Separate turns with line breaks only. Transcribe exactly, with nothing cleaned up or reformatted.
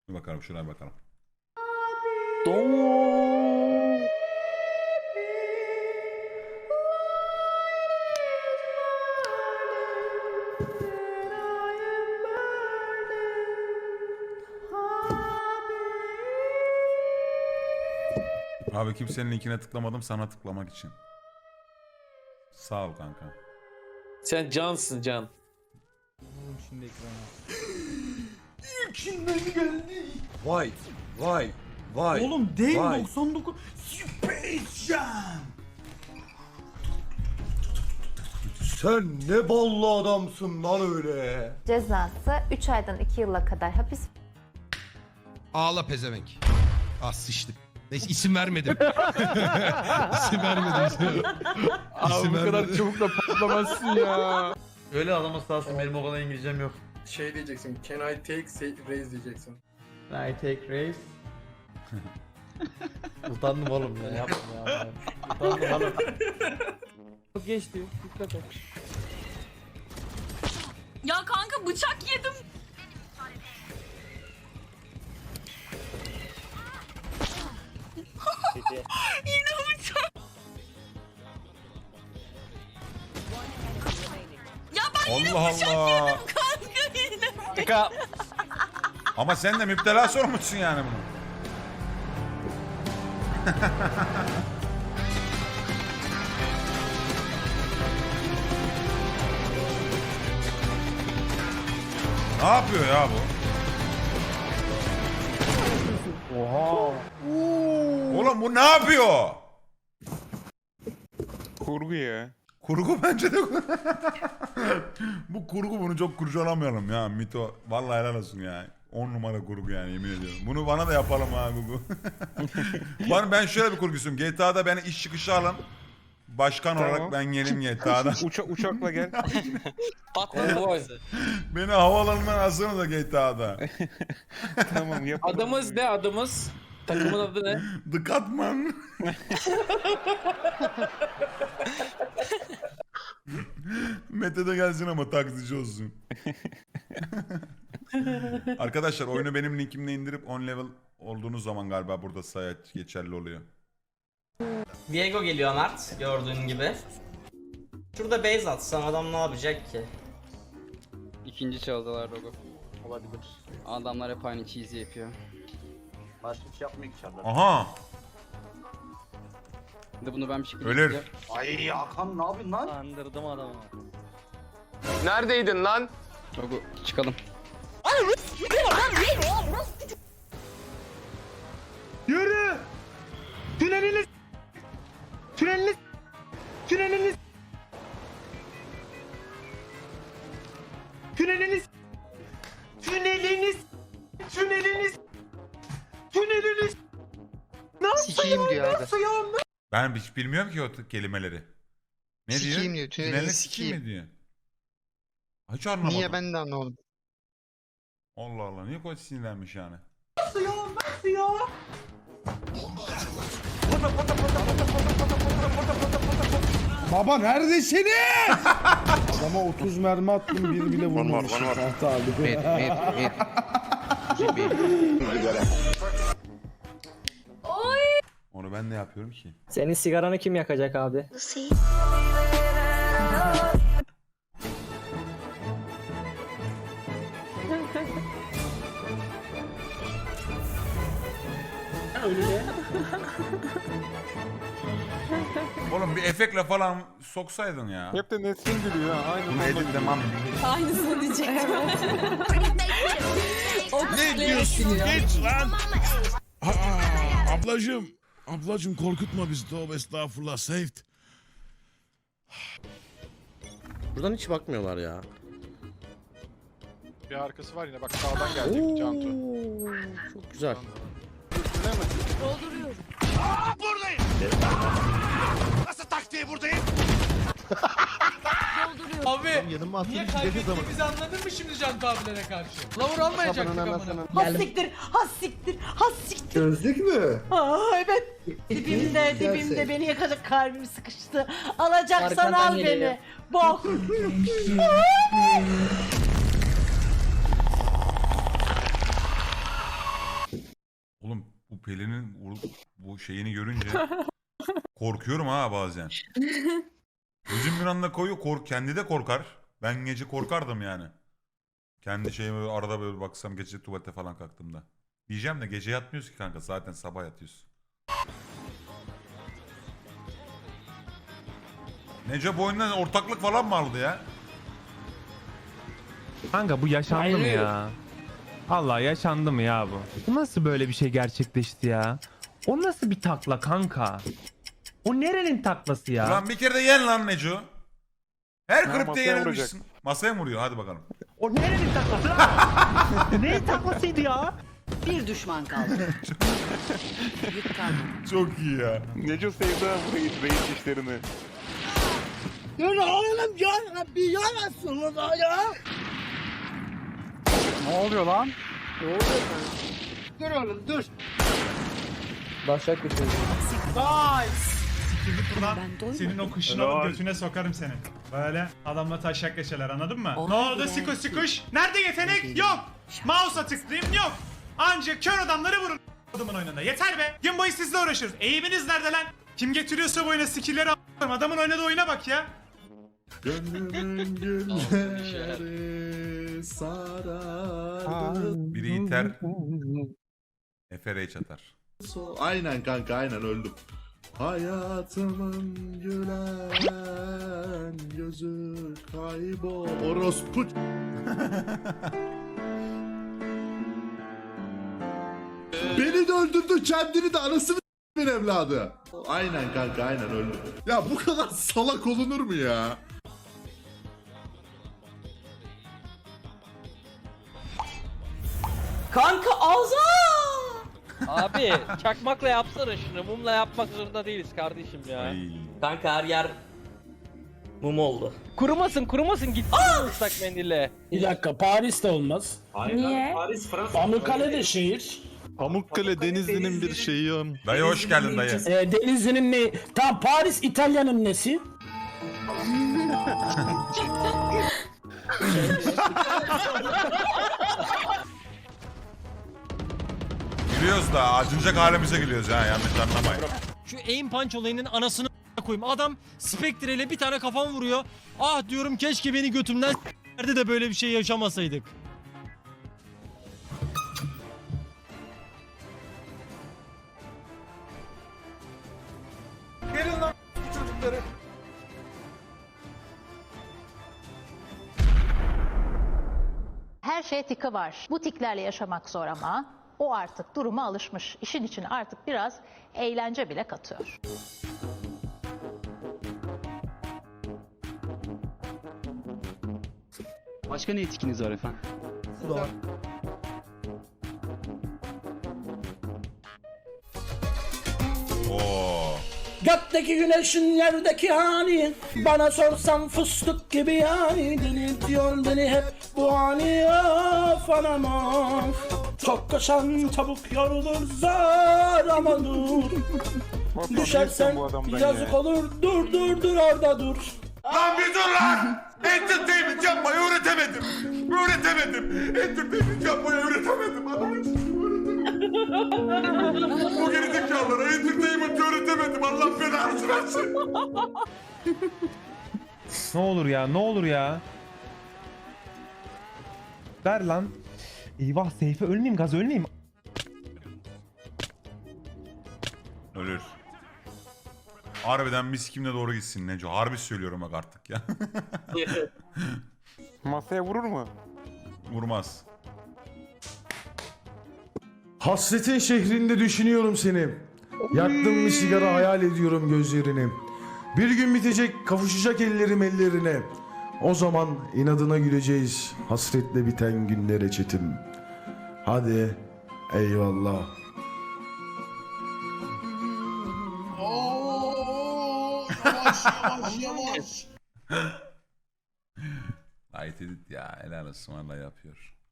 Bir bakalım şuraya bakalım.
Doğum.
Abi kimsenin linkine tıklamadım sana tıklamak için. Sağ ol kanka.
Sen cansın can.
Şimdi ekrana.
İçinden geldi. Vay, vay, vay.
Oğlum değil
vay.
doksan dokuz Space Jam.
Sen ne ballı adamsın lan öyle.
Cezası üç aydan iki yıla kadar hapis
Ağla pezevenk. Ah sıçtık. Neyse isim vermedim. isim vermedim.
Abi
İsim
bu kadar
vermedim.
çabuk da patlamazsın ya.
Öyle anlaması lazım. Benim o kadar İngilizcem yok.
Şey diyeceksin, can I take say, raise diyeceksin.
I take race. Utandım oğlum ya. Yapma ya. Utandım oğlum.
Geçti. Dikkat et.
Ya kanka bıçak yedim. Yine bıçak. Ya ben yine
Allah
bıçak
Allah.
yedim kanka yine.
Kanka.
Ama sen de müptela sormuşsun yani bunu. Ne yapıyor ya bu?
Oha.
Oğlum bu ne yapıyor?
Kurgu ya.
Kurgu bence de. Bu kurgu, bunu çok kurcalamayalım ya Mito. Vallahi helal olsun ya. on numara kurgu yani, yemin ediyorum. Bunu bana da yapalım ha Gugu. ben, ben şöyle bir kurgusuyum. G T A'da beni iş çıkışı alın. Başkan
Tamam.
olarak ben gelim G T A'da.
Uça uçakla gel.
Konvoy.
Beni havaalanından alsana da G T A'da.
Tamam yapalım.
Adımız ne adımız? Takımın adı ne?
The Catman. Mete de gelsin ama taksici olsun. Arkadaşlar oyunu benim linkimle indirip on level olduğunuz zaman galiba burada sayı geçerli oluyor.
Diego geliyor Mert gördüğün gibi. Şurada base atsan adam ne yapacak ki?
İkinci çaldılar Rogo.
Olabilir.
Adamlar hep aynı cheesy yapıyor.
Başka bir şey yapmıyor ki çarlar.
Aha.
Bir de bunu ben bir şekilde
Ölür.
yapacağım.
Ay Hakan ne yapıyorsun lan?
Kandırdım adamı.
Neredeydin lan?
Rogo çıkalım.
Yürü. Tüneliniz. Tüneliniz. Tüneliniz. Tüneliniz. Tüneliniz. Tüneliniz. Tüneliniz. Nasıl
Sikiyim diyor abi.
Nasıl ya?
Ben hiç bilmiyorum ki o t- kelimeleri. Ne
Sikiyim
diyor?
diyor, tünelini
Tünelini
sikiyim.
mi diyor? Hiç anlamadım.
Niye ben de anlamadım.
Allah Allah, niye koç sinirlenmiş yani?
Nasıl ya? Nasıl ya?
Baba neredesiniz? Adama otuz mermi attım bir bile vurmamışım. Tahta abi.
Mid mid mid.
Onu ben de yapıyorum ki.
Senin sigaranı kim yakacak abi?
Oğlum bir efektle falan soksaydın ya.
Hep de Nesrin gülüyor ha. Aynı
Bunu editlemem.
Aynısını diyecektim.
Ne diyorsun geç lan. Aa, ablacım. Ablacım korkutma bizi, tövbe estağfurullah, saved.
Buradan hiç bakmıyorlar ya.
Bir arkası var yine bak sağdan gelecek Cantu.
Çok güzel.
Dolduruyorum.
Buradayım. Nasıl taktiği buradayım?
Dolduruyorum.
Abi niye kaybettiğimizi anladın mı şimdi Can abilere karşı? Lavur almayacaktık amına.
Has siktir, has siktir, has siktir.
Gözlük mü?
Aa evet. Dibimde, dibimde beni yakacak kalbim sıkıştı. Alacaksan
Arkandan
al
geliyor.
beni. Bok.
bu, bu şeyini görünce korkuyorum ha bazen. Gözüm bir anda koyuyor, kork kendi de korkar. Ben gece korkardım yani. Kendi şeyime böyle arada böyle baksam gece tuvalete falan kalktığımda. Diyeceğim de gece yatmıyoruz ki kanka, zaten sabah yatıyoruz. Neco bu oyundan ortaklık falan mı aldı ya?
Kanka bu yaşandı mı ya? Allah yaşandı mı ya bu? Bu nasıl böyle bir şey gerçekleşti ya? O nasıl bir takla kanka? O nerenin taklası ya?
Ulan bir kere de yen lan Neco. Her
Ha,
kripte
masaya
yenilmişsin. Masaya mı vuruyor? Hadi bakalım.
O nerenin taklası lan? Neyin taklasıydı ya?
Bir düşman kaldı. Yük kalmadı.
Çok iyi ya.
Neco sevdi ha bu reis, reis işlerini. Ne oluyor lan?
Başak bir şey.
Senin o kuşunu alıp götüne sokarım seni. Böyle adamla taşak geçerler, anladın mı? Ne oldu sikuş sikuş? Nerede yetenek? Yok. Mouse'a tıklayayım yok. Ancak kör adamları vurun adamın oyununda. Yeter be. Gün boyu sizle uğraşırız. Eğiminiz nerede lan? Kim getiriyorsa bu oyuna skill'leri a**larım. Adamın oynadığı oyuna bak ya.
Biri iter. Efe Rage atar.
Aynen kanka, aynen öldüm. Hayatımın gülen gözü kaybol. Orospu. Beni de öldürdü, kendini de, anasını s**min evladı. Aynen kanka, aynen öldüm. Ya bu kadar salak olunur mu ya?
Kanka ağza!
Abi çakmakla yapsana şunu. Mumla yapmak zorunda değiliz kardeşim ya.
Ay.
Kanka her yer mum oldu.
Kurumasın kurumasın gitsin ıslak mendille.
Bir dakika, Paris'te olmaz.
Niye?
Pamukkale de şehir.
Pamukkale Denizli'nin bir şeyi on.
Dayı hoş geldin dayı.
E, Denizli'nin ne? Tam Paris İtalya'nın nesi?
Gülüyoruz da acınacak halimize gülüyoruz ha, yanlış anlamayın.
Şu aim punch olayının anasını koyayım. Adam Spectre ile bir tane kafam vuruyor. Ah diyorum, keşke beni götümden s**erdi de böyle bir şey yaşamasaydık.
Gelin lan çocukları.
Her şeye tika var. Bu tiklerle yaşamak zor ama o artık duruma alışmış. İşin içine artık biraz eğlence bile katıyor.
Başka ne etkiniz var efendim?
Oo.
Gökteki güneşin yerdeki hali, bana sorsan fıstık gibi yani. Delirtiyor beni hep bu hali, of anam of. Çok koşan tavuk yorulur zar ama dur. Düşersen yazık olur, dur dur dur orada dur.
Lan bir dur lan! Entertainment yapmayı öğretemedim. Öğretemedim. Entertainment yapmayı öğretemedim. Adamın bu gerizekalılara entertainment öğretemedim. Allah belanı versin.
Ne olur ya, ne olur ya. Ver lan. Eyvah, Seyfe ölmeyeyim, gaz ölmeyeyim.
Ölür. Harbiden mis kimle doğru gitsin Neco. Harbi söylüyorum bak artık ya.
Masaya vurur mu?
Vurmaz.
Hasretin şehrinde düşünüyorum seni. Yaktım bir sigara, hayal ediyorum gözlerini. Bir gün bitecek, kavuşacak ellerim ellerine. O zaman inadına güleceğiz hasretle biten günlere çetim. Hadi eyvallah. Yavaş yavaş yavaş.
Ayet edit ya, helal olsun, vallahi yapıyor.